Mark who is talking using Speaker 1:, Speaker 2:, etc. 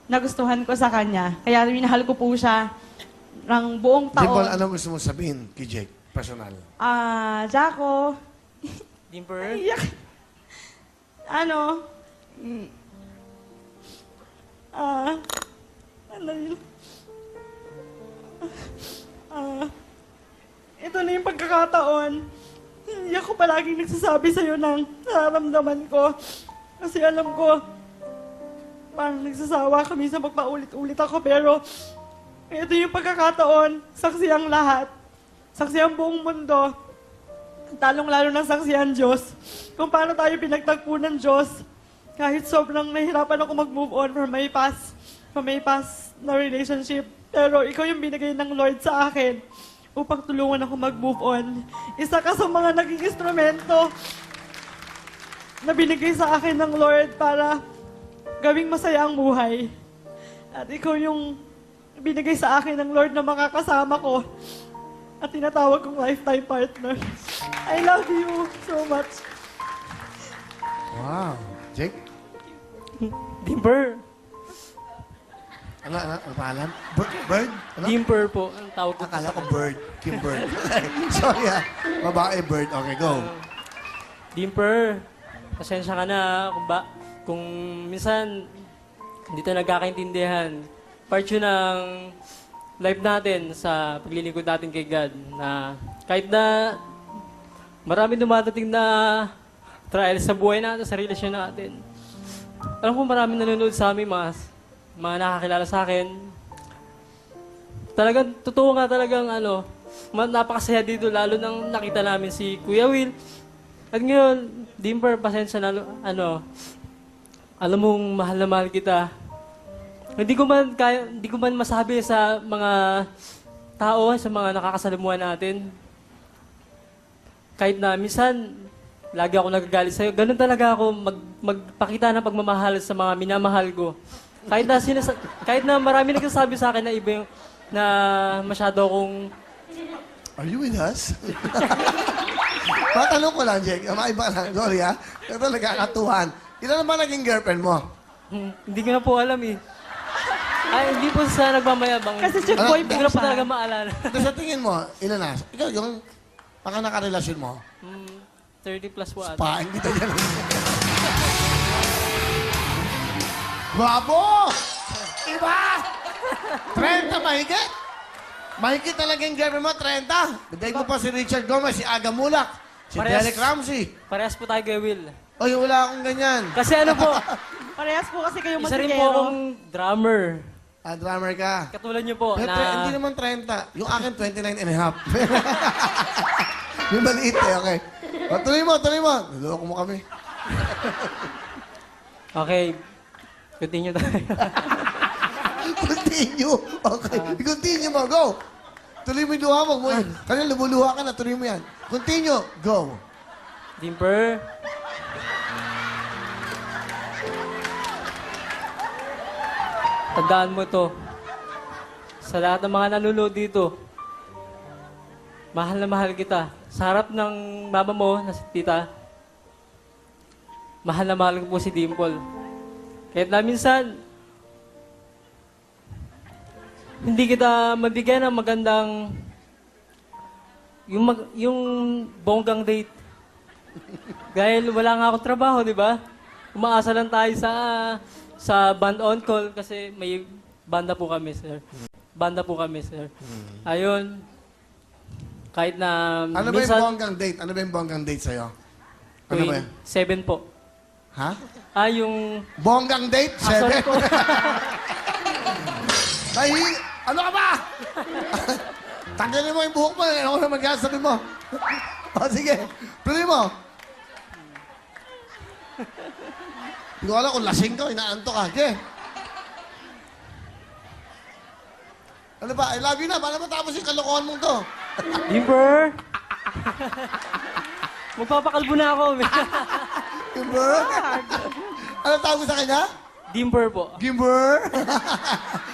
Speaker 1: nagustuhan ko sa kanya. Kaya minahal ko po siya ng buong
Speaker 2: Dimple,
Speaker 1: taon.
Speaker 2: ano gusto mo sabihin kay Jake? Personal.
Speaker 1: Jaco,
Speaker 3: Dimper?
Speaker 1: iyak. Ano? mm, ano yun? Ito na yung pagkakataon. Hindi ako palaging nagsasabi sa'yo ng nararamdaman ko. Kasi alam ko, parang nagsasawa kami sa magpaulit-ulit ako. Pero ito yung pagkakataon, saksi ang lahat. Saksi ang buong mundo. Talong-lalo ng saksi ang Diyos. Kung paano tayo pinagtagpo ng Diyos. Kahit sobrang nahihirapan ako mag-move on from my past na relationship. Pero ikaw yung binigay ng Lord sa akin upang tulungan ako mag-move on. Isa ka sa mga naging instrumento na binigay sa akin ng Lord para gawing masaya ang buhay. At ikaw yung binigay sa akin ng Lord na makakasama ko at tinatawag kong lifetime partner. I love you so much.
Speaker 2: Wow. Jake?
Speaker 3: Dimper?
Speaker 2: Ano pangalan? Bird? Ano?
Speaker 3: Dimper po, ang tawag ko.
Speaker 2: Akala ko Bird. Kim Bird. Sorry Babae, Bird. Okay, go.
Speaker 3: Dimper, pasensya ka na kung minsan hindi tayo nagkakaintindihan. Part yun ng life natin sa paglilingkod natin kay God na kahit na marami dumadating na trials sa buhay natin, sa relasyon natin. Alam ko marami nanonood sa amin, mga nakakilala sa akin. Talagang, totoo nga talagang napakasaya dito, lalo nang nakita namin si Kuya Will. At ngayon, Dimper, pasensya na, alam mong mahal na mahal kita. Hindi ko man masabi sa mga tao, sa mga nakakasalamuhan natin. Kahit na minsan, lagi ako nagagalit sa'yo. Ganun talaga ako magpakita ng pagmamahal sa mga minamahal ko. Kahit na marami nagsasabi sa akin na iba yung, na masyado akong...
Speaker 2: Are you with us? Matanong ko lang, Jake. Maiba lang. Sorry, ha? Ito nagkakatuhan. Ilan naman naging girlfriend mo?
Speaker 3: Hindi ko na po alam eh. Ay, hindi po sa nagmamayabang.
Speaker 1: Kasi chick boy
Speaker 3: Hindi
Speaker 1: po
Speaker 3: ko na po
Speaker 1: siya.
Speaker 3: talaga maalala.
Speaker 2: Sa tingin mo, ilan na? Ikaw, yung nakarelasyon mo?
Speaker 3: 30 plus po ata.
Speaker 2: Paing kita yan. Bravo! Iba! 30 mahigit. Mahigit talaga yung girlfriend mo, 30. Bigay ko pa si Richard Gomez, si Aga Mulak, si Derek Ramsey.
Speaker 3: Parehas po tayo kay Will.
Speaker 2: Oy, wala akong ganyan.
Speaker 3: Kasi ano po,
Speaker 1: Parehas po kasi kayo
Speaker 3: isa rin po
Speaker 1: masikero.
Speaker 3: akong drummer.
Speaker 2: Drummer ka.
Speaker 3: Katulad niyo po
Speaker 2: Pero,
Speaker 3: na...
Speaker 2: hindi naman 30. Yung akin, 29 and a half. Yung maliit okay. O, tuloy mo. Naloko mo kami.
Speaker 3: Okay. Continue tayo.
Speaker 2: Continue. Okay. Continue mo. Go. Tuloy mo yung luha mo. Kanina lumuluha ka na. Tuloy mo yan. Continue. Go.
Speaker 3: Dimper. Tandaan mo to. Sa lahat ng mga nanonood dito, mahal na mahal kita. Sa harap ng mama mo, na si tita, mahal na mahal ko po si Dimple. Kahit na minsan, hindi kita mabigyan ng magandang yung bonggang date. Dahil wala nga akong trabaho, di ba? Umaasa lang tayo sa band on call kasi may banda po kami, sir. Ayun. Kahit na
Speaker 2: Ano ba
Speaker 3: minsan...
Speaker 2: yung bonggang date sa'yo? Ano ba yun?
Speaker 3: 7 po.
Speaker 2: Ha?
Speaker 3: Yung...
Speaker 2: Bonggang date?
Speaker 3: sorry
Speaker 2: 7?
Speaker 3: po.
Speaker 2: Ano ka ba? Tanggalin mo yung buhok mo. Ano ko na magkasabi mo? O, sige. Tuloy mo. Hindi ko alam kung lasing ka o inaanto ka. Sige. Ano ba? I love you na. Paano matapos yung kalokohan mong to?
Speaker 3: Dimper! Magpapakalbo na ako.
Speaker 2: Gimber? Ano tawag mo sa kanya?
Speaker 3: Dimper po.
Speaker 2: Gimber?